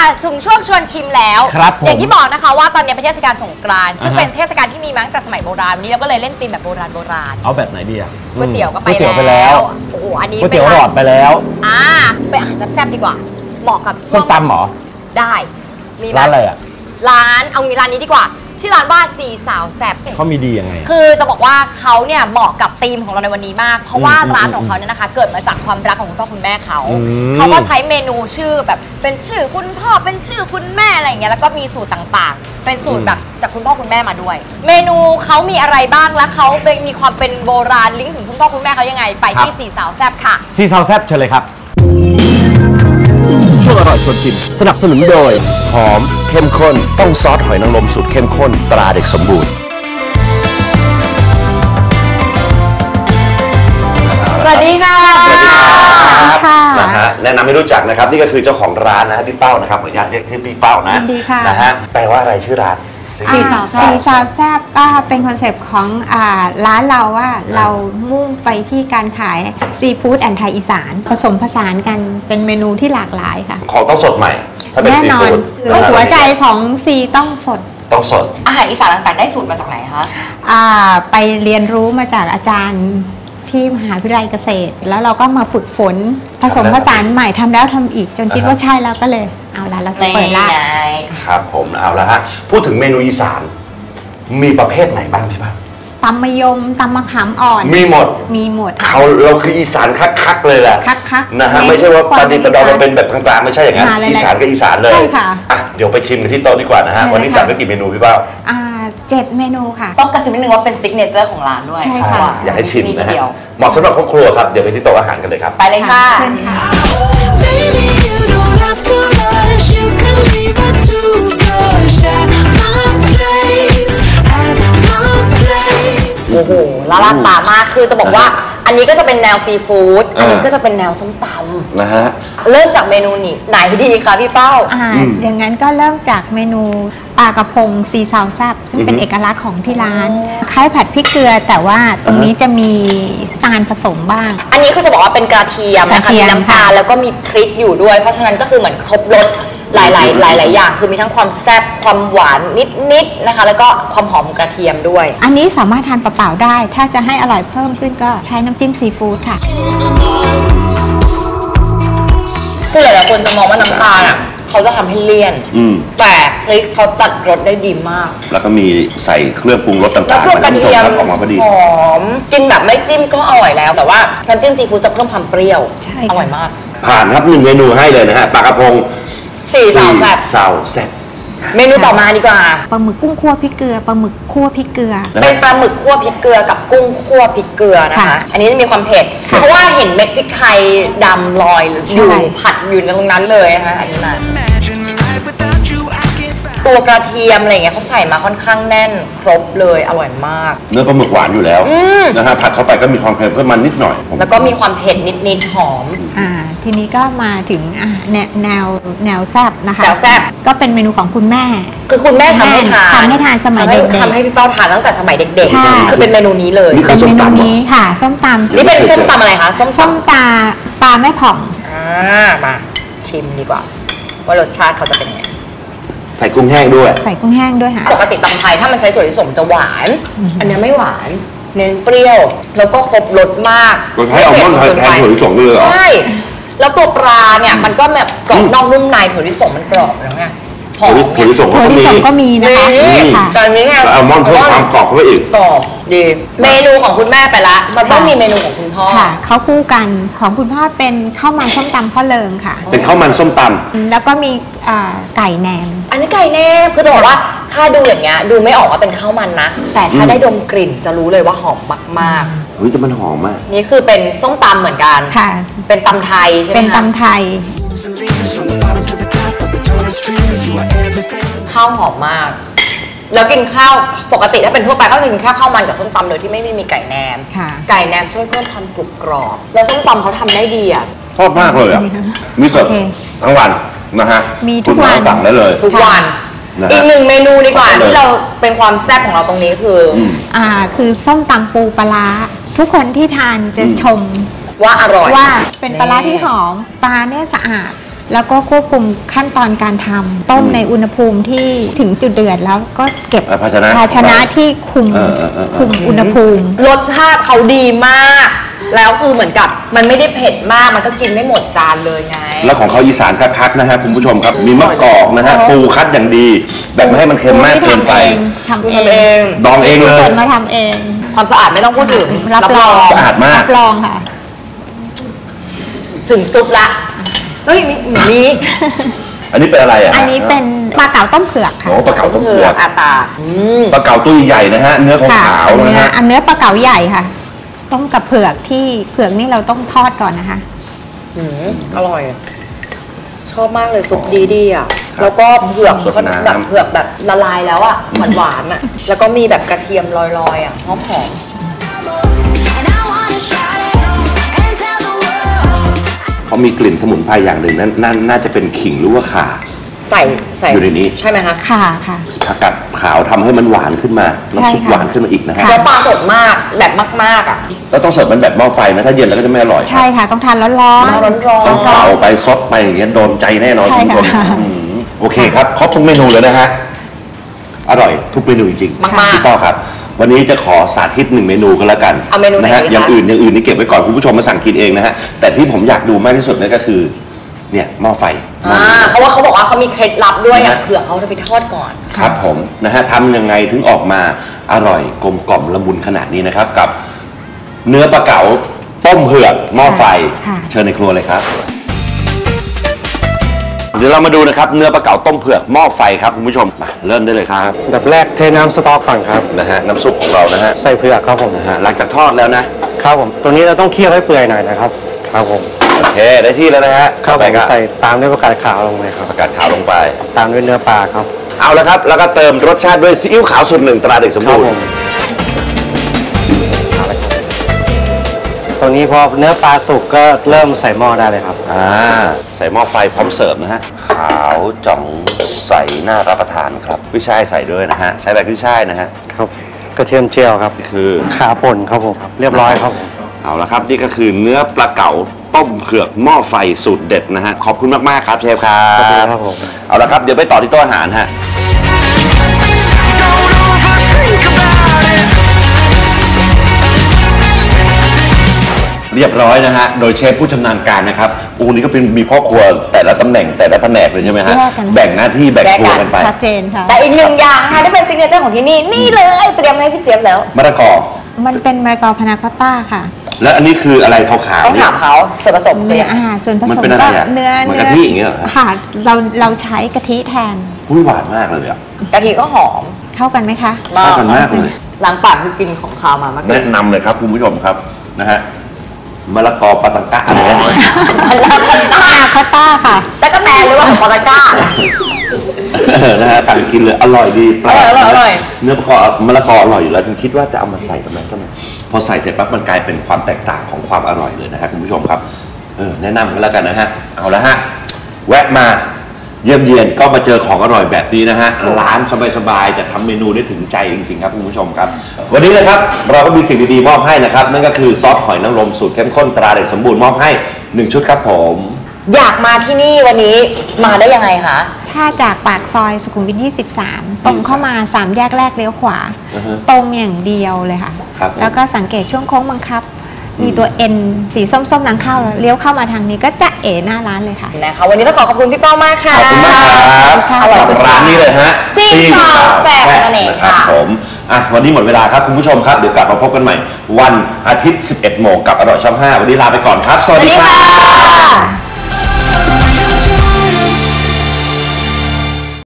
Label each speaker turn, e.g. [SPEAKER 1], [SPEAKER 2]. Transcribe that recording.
[SPEAKER 1] ถึงช่วงชวนชิมแล้วอย่างที่บอกนะคะว่าตอนนี้เป็นเทศกาลสงกรานต์ซึ่งเป็นเทศกาลที่มีมาตั้งแต่สมัยโบราณวันนี้เราก็เลยเล่นธีมแบบโบราณ
[SPEAKER 2] เอาแบบไหนดีอ่ะ
[SPEAKER 1] ก๋วยเตี๋ยวก็ไปแล้วโอ้โหอันนี้
[SPEAKER 2] ก๋วยเตี๋ยวหลอดไปแล้ว
[SPEAKER 1] ไปอาหารแซ่บๆดีกว่าเหมาะกับ
[SPEAKER 2] ส้มตำหรอ
[SPEAKER 1] ได้มี
[SPEAKER 2] ร้านอะไรอ่ะ
[SPEAKER 1] ร้านร้านนี้ดีกว่าชื่อร้านว่าสี่สาวแซ่บ
[SPEAKER 2] เขามีดียังไง
[SPEAKER 1] คือจะบอกว่าเขาเนี่ยเหมาะกับธีมของเราในวันนี้มากเพราะว่าร้านของเขาเนี่ยนะคะเกิดมาจากความรักของคุณพ่อคุณแม่เขาก็ใช้เมนูชื่อแบบเป็นชื่อคุณพ่อเป็นชื่อคุณแม่อะไรอย่างเงี้ยแล้วก็มีสูตรต่างๆเป็นสูตรแบบจากคุณพ่อคุณแม่มาด้วย เมนูเขามีอะไรบ้างและเขามีความเป็นโบราณลิงก์ถึงคุณพ่อคุณแม่เขายังไงไปที่สี่สาวแซ่บค่ะ
[SPEAKER 2] สี่สาวแซ่บเชิญเลยครับช่วงอร่อยชวนชิมสนับสนุนโดยหอมเข้มข้นต้องซอสหอยนางรมสูตรเข้มข้นตราเด็กสมบูรณ์
[SPEAKER 1] สวัสดีค่ะ
[SPEAKER 2] นะฮะแนะนำให้รู้จักนะครับนี่ก็คือเจ้าของร้านนะฮะพี่เป้านะครับขออนุญาตเรียกชื่อพี่เป้านะนะฮะแปลว่าอะไรชื่อร้าน
[SPEAKER 3] สี่สาวแซ่บก็เป็นคอนเซปต์ของร้านเราว่าเรามุ่งไปที่การขายซีฟู้ดแอนด์ไทยอีสานผสมผสานกันเป็นเมนูที่หลากหลายค่ะ
[SPEAKER 2] ของต้องสดใหม่ถ้าเป็นซีฟู้ด
[SPEAKER 3] หัวใจของซีต้องสด
[SPEAKER 1] อาหารอีสานต่างๆได้สูตรมาจากไหนคะ
[SPEAKER 3] ไปเรียนรู้มาจากอาจารย์ที่มหาวิทยาลัยเกษตรแล้วเราก็มาฝึกฝนผสมผสานใหม่ทำแล้วทำอีกจนคิดว่าใช่แล้วก็เลยเอาละเราจะเปิดร้าน
[SPEAKER 2] ครับผมเอาละฮะพูดถึงเมนูอีสานมีประเภทไหนบ้างพี่ป้า
[SPEAKER 3] ตำมะยมตำมะขามอ่อน
[SPEAKER 2] มีหมดเราคืออีสานคักๆเลยแหละ
[SPEAKER 3] คัก
[SPEAKER 2] นะฮะไม่ใช่ว่าปฏิปดาเราเป็นแบบกลางๆไม่ใช่อย่างนั้นอีสานกับอีสานเลยใช่ค่ะเดี๋ยวไปชิมกันที่โต๊ะดีกว่านะฮะวันนี้จัดไว้กี่เมนูพี่ป้า
[SPEAKER 3] 7 เมนูค่ะ
[SPEAKER 1] ต้องกระซิบนิดนึงว่าเป็นซิกเนเจอร์ของร้านด้วย
[SPEAKER 3] ใช่ค่ะ
[SPEAKER 2] อยากให้ชิมนะฮะเหมาะสำหรับครอบครัวครับเดี๋ยวไปที่โต๊ะอาหารกันเลยครับ
[SPEAKER 1] ไปเลยค่ะ
[SPEAKER 3] เชิญค่ะ
[SPEAKER 1] โอ้โหละลานตามากคือจะบอกว่าอันนี้ก็จะเป็นแนวซีฟู้ดอันนี้ก็จะเป็นแนวส้มตำ
[SPEAKER 2] นะฮะ
[SPEAKER 1] เริ่มจากเมนูไหนดีคะพี่เป้า
[SPEAKER 3] อย่างนั้นก็เริ่มจากเมนูปลากระพงซีซาวแซ่บซึ่งเป็นเอกลักษณ์ของที่ร้านคล้ายผัดพริกเกลือแต่ว่าตรงนี้จะมีตาลผสมบ้าง
[SPEAKER 1] อันนี้คือจะบอกว่าเป็นกระเทียมนะคะมีน้ำตาลแล้วก็มีพริกอยู่ด้วยเพราะฉะนั้นก็คือเหมือนครบรสหลายอย่างคือมีทั้งความแซ่บความหวานนิดนะคะแล้วก็ความหอมของกระเทียมด้วย
[SPEAKER 3] อันนี้สามารถทานเปล่าๆได้ถ้าจะให้อร่อยเพิ่มขึ้นก็ใช้น้ำจิ้มซีฟู้ดค่ะ
[SPEAKER 1] คือหลายๆคนจะมองว่าน้ำตาลอ่ะเขาจะทำให้เลี่ยนแต่พริกเขาจัดรสได้ดีมาก
[SPEAKER 2] แล้วก็มีใส่เครื่องปรุงรสต่างๆ
[SPEAKER 1] แล้วกระเทียม
[SPEAKER 2] ออกมาพอดี
[SPEAKER 1] หอมกินแบบไม่จิ้มก็อร่อยแล้วแต่ว่าน้ำจิ้มซีฟู้ดจะเพิ่มความเปรี้ยวอร่อยมาก
[SPEAKER 2] ผ่านครับ1 เมนูให้เลยนะฮะปลากระพง
[SPEAKER 1] สี่สาวแซ่บเมนูต่อมาดีกว่า
[SPEAKER 3] ปลาหมึกกุ้งคั่วพริกเกลือปลาหมึกคั่วพริกเกลือ
[SPEAKER 1] เป็นปลาหมึกคั่วพริกเกลือกับกุ้งคั่วพริกเกลือนะคะอันนี้จะมีความเผ็ดเพราะว่าเห็นเม็ดพริกไทยดำลอยอยู่ผัดอยู่ตรงนั้นเลยนะคะอันนี้มาตัวกระเทียมอะไรเงี้ยเขาใส่มาค่อนข้างแน่นครบเลยอร่อยมาก
[SPEAKER 2] เนื้อปลาหมึกหวานอยู่แล้วนะฮะผัดเข้าไปก็มีความเค็มเพิ่มมันนิดหน่อย
[SPEAKER 1] แล้วก็มีความเผ็ดนิดหอม
[SPEAKER 3] ทีนี้ก็มาถึงแนวแซ่บนะคะ
[SPEAKER 1] แซ่บ
[SPEAKER 3] ก็เป็นเมนูของคุณแม่
[SPEAKER 1] คือคุณแม่ทำให้ทาน
[SPEAKER 3] สมัยเด็ก
[SPEAKER 1] ทำให้พี่เป้าทานตั้งแต่สมัยเด็กๆคือเป็นเมนูนี้เลย
[SPEAKER 3] เป็นเมนูนี้ค่ะส้มตำ
[SPEAKER 1] นี่เป็นส้มตำอะไรคะ
[SPEAKER 3] ส้มตาปลาแม่ผ่อง
[SPEAKER 1] มาชิมดีกว่าว่ารสชาติเขาจะเป็นยังไง
[SPEAKER 2] ใส่กุ้งแห้งด้วย
[SPEAKER 1] ค่ะปกติตำไทยถ้ามันใช้ถั่วลิสงจะหวานอันนี้ไม่หวานเน้นเปรี้ยวแล้วก็ครบรสมาก
[SPEAKER 2] ใช้อัลมอนด์แทนถั่วลิสงเลยเหรอ
[SPEAKER 1] ใช่แล้วตัวปลาเนี่ยมันก็แบบกรอบนอกนุ่มในถั่วลิสงมันกรอบแล้วไง
[SPEAKER 2] ถั่วลิสง
[SPEAKER 3] ก็มีนะคะ
[SPEAKER 1] ตอนนี้ไง
[SPEAKER 2] อัลมอนด์เพิ่มความกรอบเข้าไปอีก
[SPEAKER 1] กรอบดีเมนูของคุณแม่ไปละมันต้องมีเมนูของคุณพ่อ
[SPEAKER 3] ค่ะเขาคู่กันของคุณพ่อเป็นข้าวมันส้มตำพ่อเลิงค่ะ
[SPEAKER 2] เป็นข้าวมันส้มตำ
[SPEAKER 3] แล้วก็มีไก่แหนม
[SPEAKER 1] อันนี้ไก่แหนมคือจะบอกว่าถ้าดูอย่างเงี้ยดูไม่ออกว่าเป็นข้าวมันนะแต่ถ้าได้ดมกลิ่นจะรู้เลยว่าหอมมาก
[SPEAKER 2] เฮ้ยจะมันหอมมาก
[SPEAKER 1] นี่คือเป็นส้มตำเหมือนกัน
[SPEAKER 3] ค่ะ
[SPEAKER 1] เป็นตำไทยใช่ไหม
[SPEAKER 3] เป็นตำไทย
[SPEAKER 1] ข้าวหอมมากแล้วกินข้าวปกติถ้าเป็นทั่วไปก็จะกินข้าวมันกับส้มตำโดยที่ไม่มีไก่แหนมไก่แหนมช่วยเพิ่มความกรุบกรอบแล้วส้มตำเขาทำได้ดีอ่ะ
[SPEAKER 2] ชอบมากเลยอ่ะมีสดทั้งวันนะฮะ
[SPEAKER 3] มีทุกวัน
[SPEAKER 2] สั่งได้เลย
[SPEAKER 1] ทุกวันอีก1 เมนูดีกว่าที่เราเป็นความแซ่บของเราตรงนี้
[SPEAKER 3] คือส้มตำปูปลาทุกคนที่ทานจะชม
[SPEAKER 1] ว่าอร่อย
[SPEAKER 3] ว่าเป็นปลาที่หอมปลาเนี่ยสะอาดแล้วก็ควบคุมขั้นตอนการทำต้มในอุณหภูมิที่ถึงจุดเดือดแล้วก็เก็บ
[SPEAKER 2] ภาชนะ
[SPEAKER 3] ภาชนะที่คุมอุณหภูมิ
[SPEAKER 1] รสชาติเขาดีมาก แล้วคือเหมือนกับมันไม่ได้เผ็ดมากมันก็กินไม่หมดจานเลยไง
[SPEAKER 2] แล้วของเขาอีสานคักๆนะฮะคุณผู้ชมครับมีมะกอกนะฮะปูคัดอย่างดี แบบไม่ให้มันเค็มมากเกินไป
[SPEAKER 3] ทำเอง
[SPEAKER 2] ดองเองเลย
[SPEAKER 3] สดมาทำเอง
[SPEAKER 1] ความสะอาดไม่ต้องพูดถึง
[SPEAKER 3] รับรอง
[SPEAKER 2] สะอาดมาก
[SPEAKER 3] รับรองค่ะ
[SPEAKER 1] ถึงซุปละเฮ้ยมี
[SPEAKER 2] อันนี้เป็นอะไรอ่ะ
[SPEAKER 3] อันนี้เป็นปลาเก๋าต้มเผือกค่ะ
[SPEAKER 2] โอ้ปลาเก๋าต้มเผือก
[SPEAKER 1] อาตา
[SPEAKER 2] ปลาเก๋าตัวใหญ่นะฮะเนื้อ
[SPEAKER 3] ค่ะ
[SPEAKER 2] ขาวๆนะฮะ
[SPEAKER 3] เนื้อปลาเก๋าใหญ่ค่ะ ต้มกับเผือกที่เผือกนี่เราต้องทอดก่อนนะคะ
[SPEAKER 1] อร่อย ชอบมากเลยซุปดีอ่ะ แล้วก็เผือก
[SPEAKER 2] สดน้ำ
[SPEAKER 1] แบบเผือกแบบละลายแล้วอ่ะหวานๆอ่ะ แล้วก็มีแบบกระเทียมลอยๆอ่ะหอม
[SPEAKER 4] And I wanna shout it and tell the world.
[SPEAKER 2] เขามีกลิ่นสมุนไพรอย่างหนึ่งนั่นน่าจะเป็นขิงหรือว่าข่า
[SPEAKER 1] ใส่
[SPEAKER 2] อยู่ในนี้
[SPEAKER 1] ใช่ไหมคะ
[SPEAKER 3] ค่ะค่ะ
[SPEAKER 2] ผักกาดขาวทำให้มันหวานขึ้นมา
[SPEAKER 3] ใช่
[SPEAKER 2] น้ำซุป
[SPEAKER 3] ค่ะ
[SPEAKER 2] หวานขึ้นมาอีกนะฮะ
[SPEAKER 3] ค่ะ
[SPEAKER 1] แล้วปลาสดมากแบบมากๆอ่ะ
[SPEAKER 2] แล้วต้องเสิร์ฟมันแบบหม้อไฟนะถ้าเย็นแล้วก็จะไม่อร่อย
[SPEAKER 3] ใช่ค่ะ ต้องทานร้อน
[SPEAKER 1] ร้อน
[SPEAKER 2] ต้องเป่าไปซดไปอย่างเงี้ยโดนใจแน่นอน
[SPEAKER 3] ใช่
[SPEAKER 2] คุณผู้ชม
[SPEAKER 3] ค่ะ
[SPEAKER 2] โอเคครับครบทุกเมนูเลยนะฮะอร่อยทุกเมนูจริง
[SPEAKER 1] มากๆ
[SPEAKER 2] พี่ป้อครับ วันนี้จะขอสาธิต1เมนูกันแล้วกัน
[SPEAKER 1] เอาเมนูไหน
[SPEAKER 2] นะฮะ
[SPEAKER 1] ดีคะ
[SPEAKER 2] อย่างอื่นนี่เก็บไว้ก่อนคุณผู้ชมมาสั่งกินเองนะฮะแต่ที่ผมอยากดูมากที่สุดเนี่ยก็คือเนี่ยหม้อไฟหม้อนี้
[SPEAKER 1] เพราะว่าเขาบอกว่าเขามีเคล็ดลับด้วยอ่ะ
[SPEAKER 2] นะฮะ
[SPEAKER 1] เผื่อเขาจะไปทอดก่อน
[SPEAKER 2] ครับผมนะฮะทำยังไงถึงออกมาอร่อยกลมกล่อมละมุนขนาดนี้นะครับกับเนื้อปลาเก๋าต้มเผือกหม้อไฟ
[SPEAKER 3] ค่ะ
[SPEAKER 2] เชิญในครัวเลยครับเดี๋ยวเรามาดูนะครับเนื้อปลาเก๋าต้มเผือกหม้อไฟครับคุณผู้ชมมาเริ่มได้เลยครับ
[SPEAKER 5] อันดับแรกเทน้ำสต๊อกก่อนครับ
[SPEAKER 2] นะฮะน้ำซุปของเรานะฮะ
[SPEAKER 5] ใส่เผือกครับผม
[SPEAKER 2] นะฮะหลังจากทอดแล้วนะครับ
[SPEAKER 5] ผมตัวนี้เราต้องเคี่ยวให้เปื่อยหน่อยนะครับครับผม
[SPEAKER 2] โอเคได้ที่แล้วนะฮะ
[SPEAKER 5] ครับ
[SPEAKER 2] ไป
[SPEAKER 5] ผม
[SPEAKER 2] ก็
[SPEAKER 5] ใส่ตามด้วยผักกาดขาวลงเลยครับ
[SPEAKER 2] ผักกาดขาวลงไป
[SPEAKER 5] ตามด้วยเนื้อปลาครับ
[SPEAKER 2] เอาละครับแล้วก็เติมรสชาติด้วยซีอิ๊วขาวสูตร 1ตราเด็กสม
[SPEAKER 5] ครั
[SPEAKER 2] บู
[SPEAKER 5] บ
[SPEAKER 2] ร
[SPEAKER 5] ผ
[SPEAKER 2] ณ์
[SPEAKER 5] มเอาละครับตัวนี้พอเนื้อปลาสุกก็เริ่มใส่หม้อได้เลยครับ
[SPEAKER 2] ใส่หม้อไฟพร้อมเสิร์ฟนะฮะขาวจ่องใสน่ารับประทานครับกุ้ยช่ายใส่ด้วยนะฮะใช้แบบกุ้ยช่ายนะฮะ
[SPEAKER 5] ครับกระเทียมเจียวครับ
[SPEAKER 2] คือ
[SPEAKER 5] ขาป่นครับผมเรียบร้อยครับผม
[SPEAKER 2] เอาละครับนี่ก็คือเนื้อปลาเก๋าต้มเผือกหม้อไฟสูตรเด็ดนะฮะขอบคุณมากๆครับเชฟครับ
[SPEAKER 5] ขอบคุณครับผม
[SPEAKER 2] เอาละครับเดี๋ยวไปต่อที่โต๊ะอาหารฮะเรียบร้อยนะฮะโดยเชฟผู้ชำนาญการนะครับอูนี่ก็เป็นมีพ่อครัวแต่ละตำแหน่งแต่ละแผนกเลยใช่ไหมฮะ
[SPEAKER 3] แยกกัน
[SPEAKER 2] แบ่งหน้าที่แบ่งครัวกันไป
[SPEAKER 3] ชัดเจนค่ะ
[SPEAKER 1] แต่อีกหนึ่งอย่างนะคะที่เป็นซิกเนเจอร์ของที่นี่นี่เลยเตรียมให้พี่เจี๊ยบแล้ว
[SPEAKER 2] มะละกอ
[SPEAKER 3] มันเป็นมะละกอพานาคอตต้าค่ะ
[SPEAKER 2] และอันนี้คืออะไรขาว
[SPEAKER 1] ต้อง
[SPEAKER 2] ๆเนี่
[SPEAKER 1] ถาย มเขาส่วนผสม
[SPEAKER 3] เนื้
[SPEAKER 1] เนี่
[SPEAKER 3] อย ส่วนผ
[SPEAKER 2] มัน
[SPEAKER 3] สม
[SPEAKER 2] เป็นอะไร
[SPEAKER 3] ก็
[SPEAKER 2] อะ
[SPEAKER 3] เนื้อ
[SPEAKER 2] เหมือนกะทิอย่างเงี้ยเหรอ
[SPEAKER 3] ค่ะเราใช้กะทิแทน
[SPEAKER 2] อุ้ยหวานมากเลยอ่ะ
[SPEAKER 1] กะทิก็หอม
[SPEAKER 3] เข้ากันไหมคะ
[SPEAKER 2] เข้ากันมากเลย
[SPEAKER 1] หลังปากคือกินของคาวมาเมื่อกี้
[SPEAKER 2] แนะนำเลยครับคุณผู้ชมครับนะฮะมะละกอปาตังกะอะไรนะ
[SPEAKER 3] พานาคอตต้าค่ะ
[SPEAKER 1] แต่ก็แมนหรือว่าของปอตาก้า
[SPEAKER 2] นะฮะสั่งกินเลยอร่อยดีแปลก
[SPEAKER 1] อร่อยอร่อย
[SPEAKER 2] เนื้อมะละกออร่อยอยู่แล้วฉันคิดว่าจะเอามาใส่ทำไมก็ไม่พอใส่เสร็จปั๊บมันกลายเป็นความแตกต่างของความอร่อยเลยนะฮะคุณผู้ชมครับแนะนำกันแล้วกันนะฮะเอาละฮะแวะมาเยี่ยมเยียนก็มาเจอของอร่อยแบบนี้นะฮะร้านสบายๆแต่ทำเมนูได้ถึงใจจริงๆครับคุณผู้ชมครับ วันนี้นะครับเราก็มีสิ่งดีๆมอบให้นะครับนั่นก็คือซอสหอยนางรมสูตรเข้มข้นตราเด็กสมบูรณ์มอบให้1ชุดครับผม
[SPEAKER 1] อยากมาที่นี่วันนี้มาได้ยังไงคะ
[SPEAKER 3] ถ้าจากปากซอยสุขุมวิท 23 ตรงเข้ามา 3 แยกแรกเลี้ยวขวา
[SPEAKER 2] อือฮะ
[SPEAKER 3] ตรงอย่างเดียวเลยค่ะ
[SPEAKER 2] ครับ
[SPEAKER 3] แล้วก็สังเกตช่วงโค้งบังคับ มีตัว N สีส้มๆนางเข้าเลี้ยวเข้ามาทางนี้ก็จะเอ๋หน้าร้านเลยค่ะ
[SPEAKER 1] นะคะวันนี้ต้องขอบคุณพี่เป้ามากค่ะ
[SPEAKER 2] ขอบคุณมากครับ
[SPEAKER 3] ค่ะ
[SPEAKER 1] อร่อย
[SPEAKER 2] กับร้านนี้เลยฮะ
[SPEAKER 1] ซีนซาวแซ่บนั่นเอง
[SPEAKER 2] ครับ
[SPEAKER 1] ค่ะ
[SPEAKER 2] ผมวันนี้หมดเวลาครับคุณผู้ชมครับเดี๋ยวกลับมาพบกันใหม่ วันอาทิตย์ 11 โมงกับอร่อยช่อง 5 วันนี้ลาไปก่อนครับ สวัสดี
[SPEAKER 1] สวัสดี
[SPEAKER 2] ครั
[SPEAKER 1] ค่ะ
[SPEAKER 2] บ